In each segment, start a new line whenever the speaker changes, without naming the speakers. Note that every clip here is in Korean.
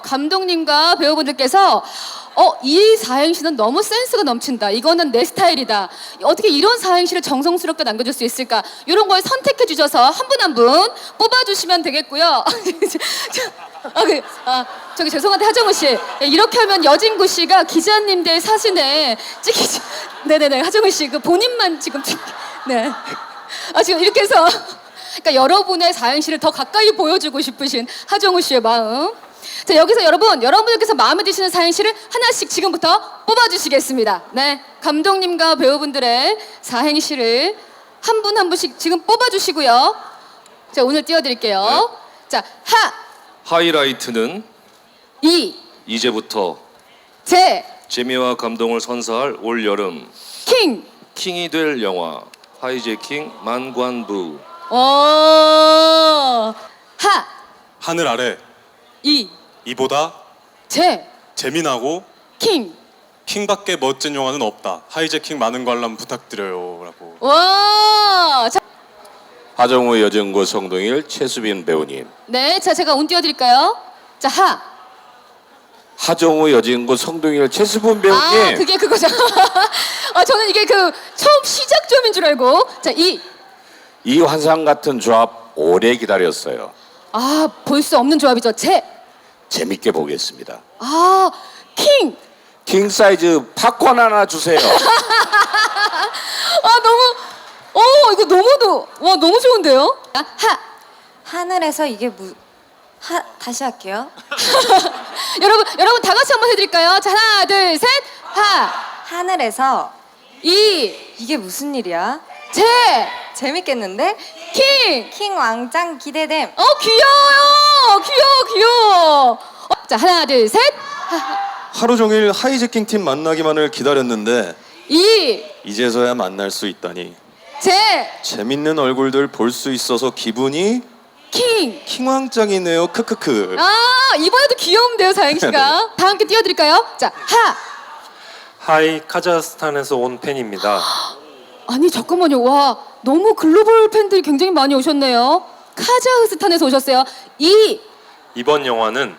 감독님과 배우분들께서 이 사행시는 너무 센스가 넘친다. 이거는 내 스타일이다. 어떻게 이런 사행시를 정성스럽게 남겨줄 수 있을까? 이런 걸 선택해 주셔서 한 분 한 분 뽑아주시면 되겠고요. 저기 죄송한데 하정우 씨, 이렇게 하면 여진구 씨가 기자님들 사진에 찍히지. 네네네, 하정우 씨 그 본인만 지금 네. 지금 이렇게 해서 그러니까 여러분의 사행시를 더 가까이 보여주고 싶으신 하정우 씨의 마음. 자, 여기서 여러분들께서 마음에 드시는 사행시를 하나씩 지금부터 뽑아주시겠습니다. 네, 감독님과 배우분들의 사행시를 한 분 한 분씩 지금 뽑아주시고요. 자, 오늘 띄워드릴게요.
네.
자,
하이라이트는 이제부터 재미와 감동을 선사할 올 여름 킹이 될 영화 하이제킹 만관부.
하늘 아래 이보다 재미나고 킹밖에 멋진 영화는 없다. 하이제킹 많은 관람 부탁드려요 라고.
자,
하정우, 여진구, 성동일, 최수빈 배우님.
네, 자, 제가 운 띄워드릴까요? 자,
하정우, 여진구, 성동일, 최수빈 배우님.
그게 그거죠. 저는 이게 그 처음 시작점인 줄 알고. 자,
이 환상 같은 조합 오래 기다렸어요.
볼 수 없는 조합이죠.
재밌게 보겠습니다. 킹 사이즈 팝콘 하나 주세요.
이거 너무 좋은데요?
하늘에서 이게 다시 할게요.
여러분 다 같이 한번 해드릴까요? 자, 하나, 둘, 셋,
하늘에서 이게 무슨 일이야? 재밌겠는데?
킹
왕짱 기대됨.
귀여워. 자, 하나, 둘, 셋.
하루 종일 하이제킹 팀 만나기만을 기다렸는데 이제서야 만날 수 있다니 재밌는 얼굴들 볼 수 있어서 기분이 킹왕짱이네요. 크크크.
이번에도 귀여운데요, 사행시가. 다 함께 띄워드릴까요? 자,
하이 카자흐스탄에서 온 팬입니다.
아니 잠깐만요. 와, 너무 글로벌 팬들이 굉장히 많이 오셨네요. 카자흐스탄에서 오셨어요.
이번 영화는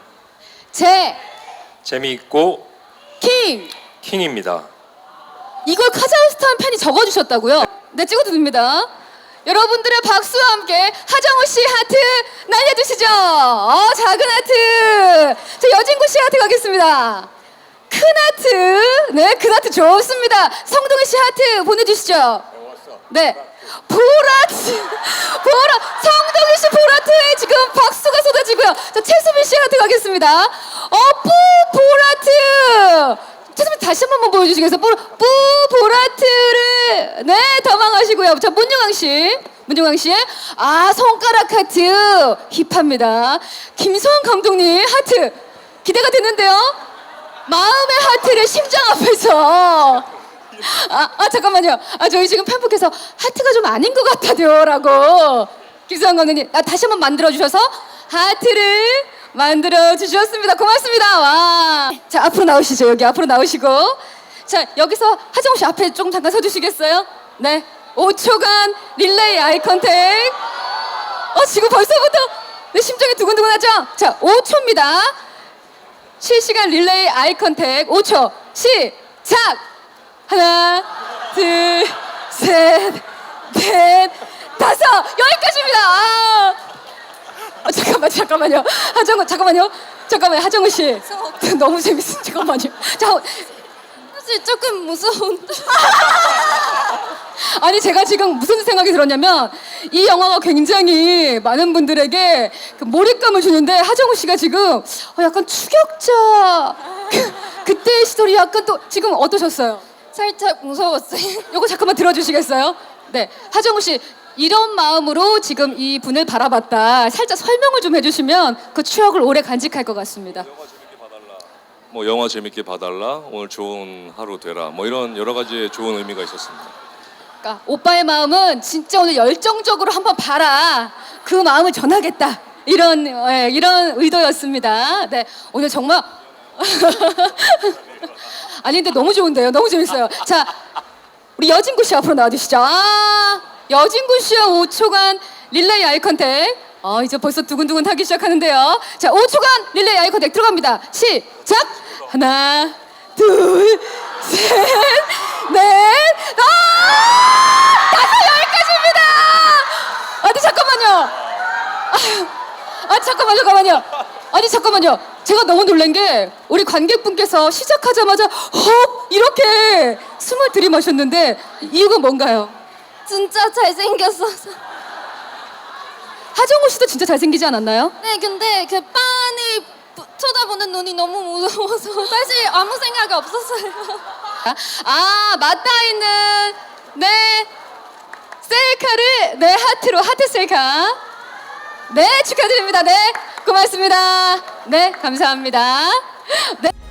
재미있고 킹입니다.
이걸 카자흐스탄 팬이 적어주셨다고요? 네, 찍어도 됩니다. 여러분들의 박수와 함께 하정우 씨 하트 날려주시죠. 작은 하트. 자, 여진구 씨 하트 가겠습니다. 큰 하트. 네, 큰 하트 좋습니다. 성동일 씨 하트 보내주시죠. 네, 보라트. 성동일 씨 보라트에 지금 박수가 쏟아지고요. 자, 최수빈 씨 하트 가겠습니다. 보라트. 최수빈 다시 한 번만 보여주시겠어요? 보라트를 더 망하시고요. 자, 문용왕 씨, 손가락 하트 힙합니다. 김소환 감독님 하트 기대가 되는데요. 마음의 하트를 심장 앞에서. 잠깐만요. 저희 지금 팬분께서 하트가 좀 아닌 것 같아요라고. 김소환 감독님, 다시 한번 만들어 주셔서 하트를 만들어 주셨습니다. 고맙습니다. 와. 자, 앞으로 나오시죠. 여기 앞으로 나오시고. 자, 여기서 하정우 씨 앞에 좀 잠깐 서주시겠어요? 네. 5초간 릴레이 아이 컨택. 지금 벌써부터 심장이 두근두근하죠? 자, 5초입니다. 실시간 릴레이 아이 컨택 5초. 시작. 하나, 둘, 셋, 넷, 다섯. 여기까지입니다. 잠깐만요. 하정우 씨. 너무 재밌어. 잠깐만요.
사실 조금 무서운데.
아니, 제가 지금 무슨 생각이 들었냐면 이 영화가 굉장히 많은 분들에게 그 몰입감을 주는데 하정우 씨가 지금 약간 추격자 그때의 시절이 약간 또 지금 어떠셨어요?
살짝 무서웠어요.
요거 잠깐만 들어주시겠어요? 네, 하정우 씨 이런 마음으로 지금 이 분을 바라봤다. 살짝 설명을 좀 해주시면 그 추억을 오래 간직할 것 같습니다.
영화 재밌게 봐달라. 오늘 좋은 하루 되라. 이런 여러 가지 좋은 의미가 있었습니다.
그러니까 오빠의 마음은 진짜 오늘 열정적으로 한번 봐라. 그 마음을 전하겠다. 이런 의도였습니다. 네, 오늘 정말 아니 근데 너무 좋은데요. 너무 재밌어요. 자, 우리 여진구 씨 앞으로 나와주시죠. 여진구 씨와 5초간 릴레이 아이 컨택. 이제 벌써 두근두근 타기 시작하는데요. 자, 5초간 릴레이 아이 컨택 들어갑니다. 시작. 하나, 둘, 셋, 넷, 다섯, 여기까지입니다. 아니 잠깐만요. 잠깐만요. 아니 잠깐만요. 제가 너무 놀란 게 우리 관객분께서 시작하자마자 헉 이렇게 숨을 들이마셨는데 이유가 뭔가요?
진짜 잘생겼어서.
하정우 씨도 진짜 잘생기지 않았나요?
네, 근데 그 빤히 쳐다보는 눈이 너무 무서워서 사실 아무 생각이 없었어요.
맞닿아 있는 네 셀카를 네 하트로 하트 셀카. 네 축하드립니다. 네 고맙습니다. 네 감사합니다. 네.